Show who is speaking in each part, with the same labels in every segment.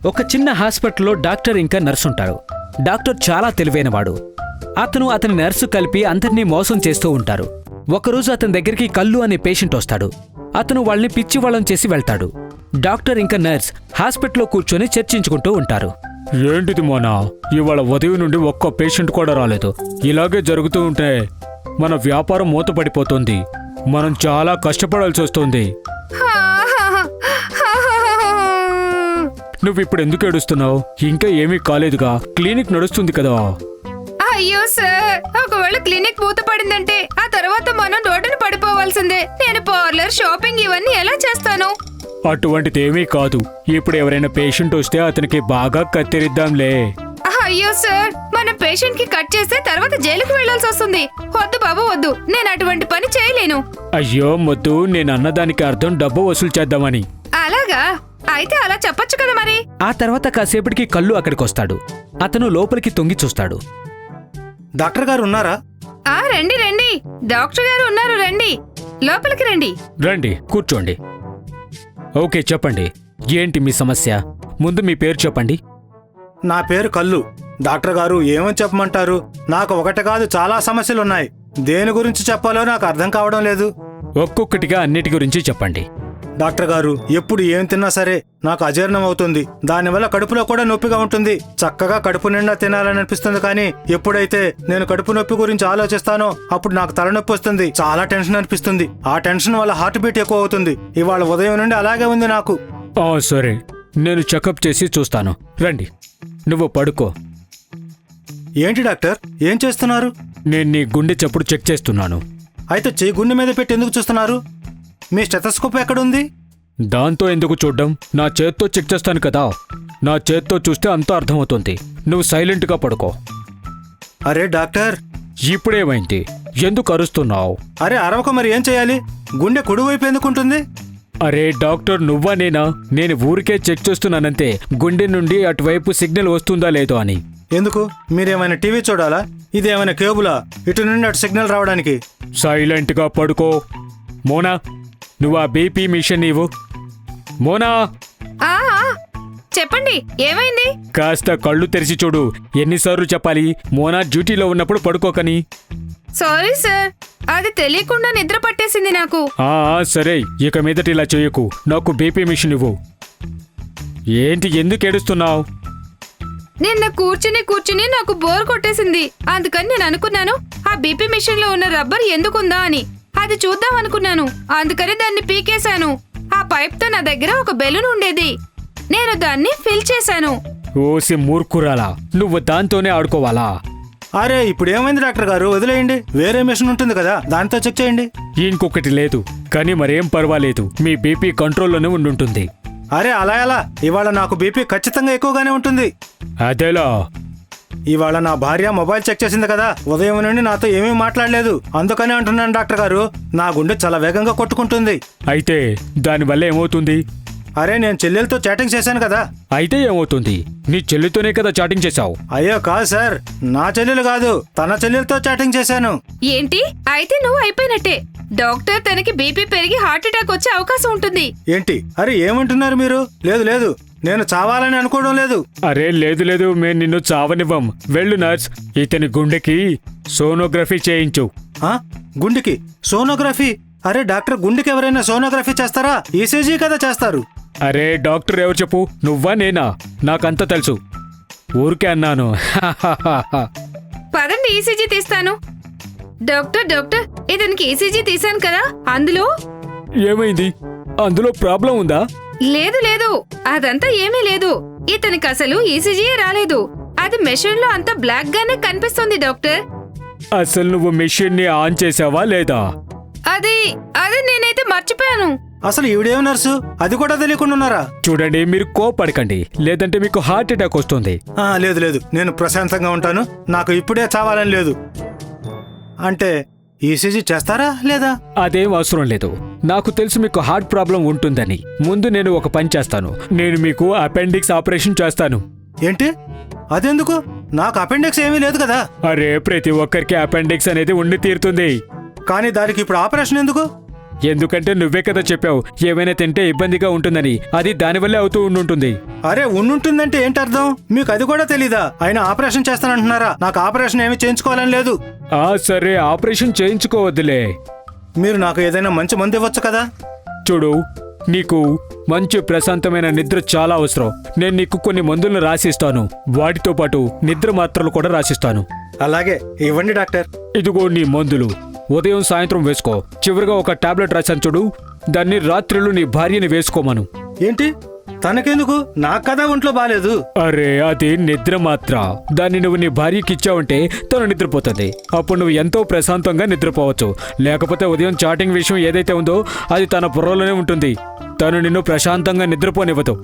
Speaker 1: ఒక చిన్న హాస్పిటల్లో డాక్టర్ ఇంకా నర్సు ఉంటారు. డాక్టర్ చాలా తెలివైనవాడు. అతని నర్సు కలిపి అందర్నీ మోసం చేస్తూ ఉంటారు. ఒకరోజు అతని దగ్గరికి కల్లు అనే పేషెంట్ వస్తాడు. అతను వాళ్ళని పిచ్చివాళ్ళం చేసి వెళ్తాడు. డాక్టర్ ఇంకా నర్స్ హాస్పిటల్లో కూర్చొని చర్చించుకుంటూ ఉంటారు. ఏంటిది మోనా, ఇవాళ ఉదయం నుండి ఒక్క పేషెంట్ కూడా రాలేదు. ఇలాగే జరుగుతూ ఉంటే మన వ్యాపారం మూతపడిపోతుంది. మనం చాలా కష్టపడాల్సి వస్తుంది. నువ్విప్పుడు ఎందుకు ఏడుస్తున్నావు? ఇంకా ఏమీ కాలేదుగా, క్లినిక్ నడుస్తుంది కదా.
Speaker 2: అయ్యో సార్, ఒకవేళ క్లినిక్ మూతపడిందంటే ఆ తర్వాత మనం రోడ్డున పడిపోవాల్సిందే. నేను పార్లర్, షాపింగ్ ఇవన్నీ ఎలా చేస్తాను?
Speaker 1: అటువంటిదేమీ కాదు. ఇప్పుడు ఎవరైనా పేషెంట్ వస్తే అతనికి బాగా కత్తిరిద్దాంలే.
Speaker 2: అయ్యో సార్, మన పేషెంట్ కి కట్ చేస్తే తర్వాత జైలుకు వెళ్లాల్సి వస్తుంది. వద్దు బాబు వద్దు, నేను అటువంటి పని చేయలేను.
Speaker 1: అయ్యో మొద్దు, నేను అన్నదానికి అర్థం డబ్బు వసూలు చేద్దామని.
Speaker 2: అలాగా? అయితే అలా చెప్పొచ్చు కదా మరి.
Speaker 1: ఆ తర్వాత కాసేపటికి కల్లు అక్కడికొస్తాడు. అతను లోపలికి తొంగి చూస్తాడు.
Speaker 3: డాక్టర్ గారు ఉన్నారా?
Speaker 2: రండి రండి, డాక్టర్ గారు ఉన్నారు, రండి లోపలికి రండి.
Speaker 1: రండి కూర్చోండి. ఓకే చెప్పండి, ఏంటి మీ సమస్య? ముందు మీ పేరు చెప్పండి.
Speaker 3: నా పేరు కల్లు. డాక్టర్ గారు ఏమని చెప్పమంటారు? నాకు ఒకటి కాదు, చాలా సమస్యలున్నాయి. దేని గురించి చెప్పాలో నాకు అర్థం కావడం లేదు.
Speaker 1: ఒక్కొక్కటిగా అన్నిటి గురించి చెప్పండి.
Speaker 3: డాక్టర్ గారు, ఎప్పుడు ఏం తిన్నా సరే నాకు అజీర్ణం అవుతుంది. దానివల్ల కడుపులో కూడా నొప్పిగా ఉంటుంది. చక్కగా కడుపు నిండా తినాలని అనిపిస్తుంది, కానీ ఎప్పుడైతే నేను కడుపు నొప్పి గురించి ఆలోచిస్తానో అప్పుడు నాకు తలనొప్పి వస్తుంది. చాలా టెన్షన్ అనిపిస్తుంది. ఆ టెన్షన్ వల్ల హార్ట్ బీట్ ఎక్కువ అవుతుంది. ఇవాళ ఉదయం నుండి అలాగే ఉంది నాకు.
Speaker 1: సరే, నేను చెకప్ చేసి చూస్తాను. రండి, నువ్వు పడుకో.
Speaker 3: ఏంటి డాక్టర్, ఏం చేస్తున్నారు?
Speaker 1: నేను నీ గుండె చప్పుడు చెక్ చేస్తున్నాను.
Speaker 3: అయితే చెయ్యి గుండె మీద పెట్టి ఎందుకు చూస్తున్నారు? మీ స్టెథోస్కోప్ ఎక్కడుంది?
Speaker 1: దాంతో ఎందుకు చూడ్డం? నా చేత్తో చెక్ చేస్తాను కదా. నా చేత్తో చూస్తే అంతా అర్థమవుతుంది. నువ్వు సైలెంట్గా పడుకో.
Speaker 3: అరే డాక్టర్,
Speaker 1: ఇప్పుడేమైంది? ఎందుకు అరుస్తున్నావు?
Speaker 3: అరే అరవక, మరి ఏం చేయాలి? గుండె కుడివైపు ఎందుకుంటుంది?
Speaker 1: అరే డాక్టర్, నువ్వా నేనా? నేను ఊరికే చెక్ చేస్తున్నానంతే, గుండె నుండి అటువైపు సిగ్నల్ వస్తుందా లేదో అని.
Speaker 3: ఎందుకు? మీరేమైనా టీవీ చూడాలా? ఇదేమైనా కేబులా ఇటు నుండి అటు సిగ్నల్ రావడానికి?
Speaker 1: సైలెంట్గా పడుకో. మోనా, నువ్వు ఆ బీపీ మిషన్ ఇవ్వు. మోనా,
Speaker 2: చెప్పండి, ఏమైంది?
Speaker 1: కాస్త కళ్ళు తెరిచి చూడు. ఎన్నిసార్లు చెప్పాలి మోనా డ్యూటీలో ఉన్నప్పుడు పడుకోకని?
Speaker 2: సారీ సార్, అది తెలియకుండా నిద్ర పట్టేసింది నాకు.
Speaker 1: సరే, ఇక మీదట ఇలా చేయకు. నాకు బీపీ మిషన్ ఇవ్వు. ఏంటి, ఎందుకు ఏడుస్తున్నావు?
Speaker 2: నిన్న కూర్చుని నాకు బోర్ కొట్టేసింది. అందుకని నేను అనుకున్నాను, ఆ బీపీ మిషన్ లో ఉన్న రబ్బర్ ఎందుకుందా అని. అది చూద్దాం అనుకున్నాను. అందుకని దాన్ని పీకేశాను. ఆ పైప్ తో నా దగ్గర ఒక బెలూన్ ఉండేది. నేను దాన్ని ఫిల్ చేశాను.
Speaker 1: ఓసి మూర్ఖురాలా, నువ్వు దాంతోనే ఆడుకోవాలా?
Speaker 3: అరే ఇప్పుడు ఏమైంది డాక్టర్ గారు, వదిలేయండి. వేరే మిషన్ ఉంటుంది కదా, దాంతో చెక్ చేయండి.
Speaker 1: ఇంకొకటి లేదు, కానీ మరేం పర్వాలేదు. మీ బీపీ కంట్రోల్లోనే ఉండుంటుంది.
Speaker 3: అరే అలా ఎలా? ఇవాళ నాకు బీపీ ఖచ్చితంగా ఎక్కువగానే ఉంటుంది.
Speaker 1: అదేలా?
Speaker 3: ఇవాళ నా భార్య మొబైల్ చెక్ చేసింది కదా, ఉదయం నుండి నాతో ఏమీ మాట్లాడలేదు. అందుకనే అంటున్నాను డాక్టర్ గారు, నా గుండె చాలా వేగంగా కొట్టుకుంటుంది.
Speaker 1: అయితే దానివల్ల ఏమవుతుంది?
Speaker 3: అరే నేను చెల్లెలతో చాటింగ్ చేశాను కదా.
Speaker 1: అయితే ఏమవుతుంది? నీ చెల్లితోనే కదా చాటింగ్ చేశావు.
Speaker 3: అయ్యో కాదు సార్, నా చెల్లెలు కాదు, తన చెల్లెలతో చాటింగ్ చేశాను.
Speaker 2: ఏంటి? అయితే నువ్వు అయిపోయినట్టే. డాక్టర్ తనకి బీపీ పెరిగి హార్ట్ అటాక్ వచ్చే అవకాశం ఉంటుంది.
Speaker 3: ఏంటి? అరే ఏమంటున్నారు మీరు? లేదు లేదు, నేను చావాలని అనుకోవడం లేదు.
Speaker 1: అరే లేదు, మేము నిన్ను చావనివ్వం. వెళ్ళు నర్స్, ఇతని గుండెకి సోనోగ్రఫీ చేయించు.
Speaker 3: గుండెకి సోనోగ్రఫీ? అరే డాక్టర్, గుండెకి ఎవరైనా సోనోగ్రఫీ చేస్తారా? ఈసీజీ కదా చేస్తారు.
Speaker 1: అరే డాక్టర్ ఎవరు చెప్పు, నువ్వా నేనా? నాకంతా తెలుసు, ఊరికే అన్నాను.
Speaker 2: పదండి, ఈసీజీ తీస్తాను. డాక్టర్, ఇతనికి ఈసీజీ తీశాను కదా, అందులో
Speaker 1: ఏమైంది? అందులో ప్రాబ్లం ఉందా?
Speaker 2: లేదు, అదంతా ఏమీ లేదు. ఇతనికి అసలు ఈసీజీ రాలేదు. అది మెషిన్ లో అంతా బ్లాక్ గానే కనిపిస్తుంది డాక్టర్.
Speaker 1: అసలు నువ్వు మెషిన్ ని ఆన్ చేసావా లేదా?
Speaker 2: అది నేనైతే మర్చిపోయాను.
Speaker 3: అసలు ఈవిడేం నర్సు, అది కూడా తెలియకుండా ఉన్నారా?
Speaker 1: చూడండి, మీరు కోపడకండి, లేదంటే మీకు హార్ట్ అటాక్ వస్తుంది.
Speaker 3: లేదు, నేను ప్రశాంతంగా ఉంటాను. నాకు ఇప్పుడే చావాలని లేదు. అంటే ఈసీజీ చేస్తారా లేదా?
Speaker 1: అదేం అవసరం లేదు. నాకు తెలుసు మీకు హార్ట్ ప్రాబ్లం ఉంటుందని. ముందు నేను ఒక పని చేస్తాను. నేను మీకు అపెండిక్స్ ఆపరేషన్ చేస్తాను.
Speaker 3: ఏంటి? అదెందుకు? నాకు అపెండిక్స్ ఏమీ లేదు కదా.
Speaker 1: అరే ప్రతి ఒక్కరికి అపెండిక్స్ అనేది ఉండి తీరుతుంది.
Speaker 3: కానీ దానికి ఇప్పుడు ఆపరేషన్ ఎందుకు?
Speaker 1: ఎందుకంటే నువ్వే కదా చెప్పావు ఏమైనా తింటే ఇబ్బందిగా ఉంటుందని. అది దానివల్లే అవుతూ ఉండుంటుంది.
Speaker 3: అరే ఉండుంటుందంటే ఏంటి అర్థం? మీకు అది కూడా తెలీదా? ఆయన ఆపరేషన్ చేస్తానంటున్నారా? నాకు ఆపరేషన్ ఏమీ చేయించుకోవాలని లేదు.
Speaker 1: సరే ఆపరేషన్ చేయించుకోవద్దులే.
Speaker 3: మీరు నాకు ఏదైనా మంచి మందు ఇవ్వచ్చు కదా?
Speaker 1: చూడు, నీకు మంచి ప్రశాంతమైన నిద్ర చాలా అవసరం. నేను నీకు కొన్ని మందులను రాసిస్తాను. వాటితో పాటు నిద్ర మాత్రలు కూడా రాసిస్తాను.
Speaker 3: అలాగే ఇవ్వండి డాక్టర్.
Speaker 1: ఇదిగో నీ మందులు. ఉదయం సాయంత్రం వేసుకో. చివరిగా ఒక టాబ్లెట్ రాశాను చూడు, దాన్ని రాత్రులు నీ భార్యని వేసుకోమను.
Speaker 3: ఏంటి? తనకెందుకు? నాకు కదా ఒంట్లో బాలేదు.
Speaker 1: అరే అది నిద్ర మాత్ర. దాన్ని నువ్వు నీ భార్యకి ఇచ్చావంటే తను నిద్రపోతుంది. అప్పుడు నువ్వు ఎంతో ప్రశాంతంగా నిద్రపోవచ్చు. లేకపోతే ఉదయం చాటింగ్ విషయం ఏదైతే ఉందో అది తన బుర్రలోనే ఉంటుంది. తను నిన్ను ప్రశాంతంగా నిద్రపోనివ్వదు.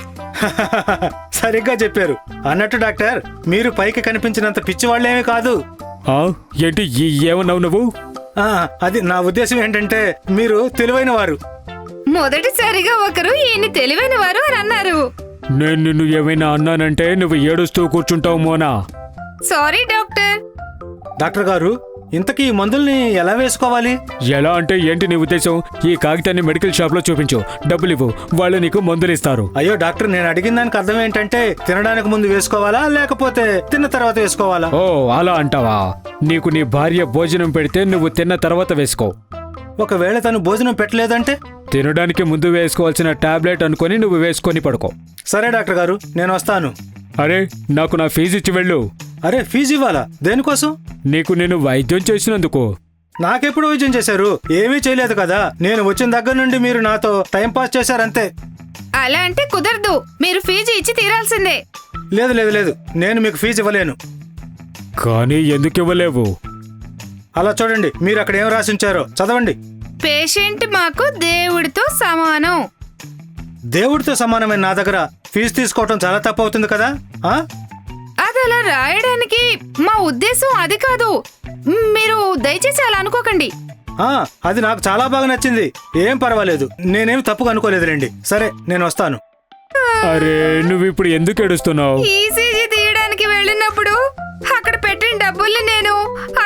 Speaker 3: సరిగ్గా చెప్పారు. అన్నట్టు డాక్టర్, మీరు పైకి కనిపించినంత పిచ్చివాళ్ళేమీ కాదు.
Speaker 1: ఏంటి ఏమన్నావు నువ్వు?
Speaker 3: అది నా ఉద్దేశం ఏంటంటే మీరు తెలివైన వారు.
Speaker 2: మొదటిసారిగా ఒకరు ఈయన్ని తెలివైన వారు అని అన్నారు.
Speaker 1: నేను నిన్ను ఏమైనా అన్నానంటే నువ్వు ఏడుస్తూ కూర్చుంటావు మోనా.
Speaker 2: Sorry doctor.
Speaker 3: డాక్టర్ గారు, ఇంతకీ ఈ మందుల్ని ఎలా వేసుకోవాలి?
Speaker 1: ఎలా అంటే ఏంటి నీ ఉద్దేశం? ఈ కాగితాన్ని మెడికల్ షాప్ లో చూపించు, డబ్బులు ఇవ్వు, వాళ్ళు నీకు మందులు ఇస్తారు.
Speaker 3: అయ్యో డాక్టర్, నేను అడిగిన దానికి అర్థం ఏంటంటే తినడానికి ముందు వేసుకోవాలా లేకపోతే తిన్న తర్వాత వేసుకోవాలా?
Speaker 1: ఓ అలా అంటావా? నీకు నీ భార్య భోజనం పెడితే నువ్వు తిన్న తర్వాత వేసుకో.
Speaker 3: ఒకవేళ తను భోజనం పెట్టలేదంటే?
Speaker 1: తినడానికి ముందు వేసుకోవాల్సిన టాబ్లెట్ అనుకొని నువ్వు వేసుకొని పడుకో.
Speaker 3: సరే డాక్టర్ గారు, నేను వస్తాను.
Speaker 1: అరే నాకు నా ఫీజు ఇచ్చి వెళ్ళు.
Speaker 3: అరే ఫీజు ఇవ్వాలా? దేనికోసం?
Speaker 1: నీకు నేను వైద్యం చేసినందుకు.
Speaker 3: నాకెప్పుడు వైద్యం చేశారు? ఏమీ చేయలేదు కదా. నేను వచ్చిన దగ్గర నుండి మీరు నాతో టైం పాస్ చేశారంతే.
Speaker 2: అలా అంటే కుదరదు. మీరు ఫీజు ఇచ్చి తీరాల్సిందే.
Speaker 3: లేదు లేదు లేదు, నేను మీకు ఫీజు ఇవ్వలేను.
Speaker 1: కానీ ఎందుకు ఇవ్వలేవు?
Speaker 3: అలా చూడండి, మీరు అక్కడ ఏం రాసి ఉంచారో చదవండి.
Speaker 2: పేషెంట్ మాకు దేవుడితో సమానం.
Speaker 3: దేవుడితో సమానమైన నా దగ్గర ఫీజు తీసుకోవటం చాలా తప్పు అవుతుంది కదా.
Speaker 2: అది అలా రాయడానికి మా ఉద్దేశం అది కాదు. మీరు దయచేసి అలా అనుకోకండి.
Speaker 3: అది నాకు చాలా బాగా నచ్చింది. ఏం పర్వాలేదు, నేనేం తప్పుగా అనుకోలేదు రండి. సరే నేను వస్తాను.
Speaker 1: అరే నువ్వు ఇప్పుడు ఎందుకు ఏడుస్తున్నావు?
Speaker 2: ఈసీజీ తీయడానికి వెళ్ళినప్పుడు అక్కడ పెట్టిన డబ్బుల్ని నేను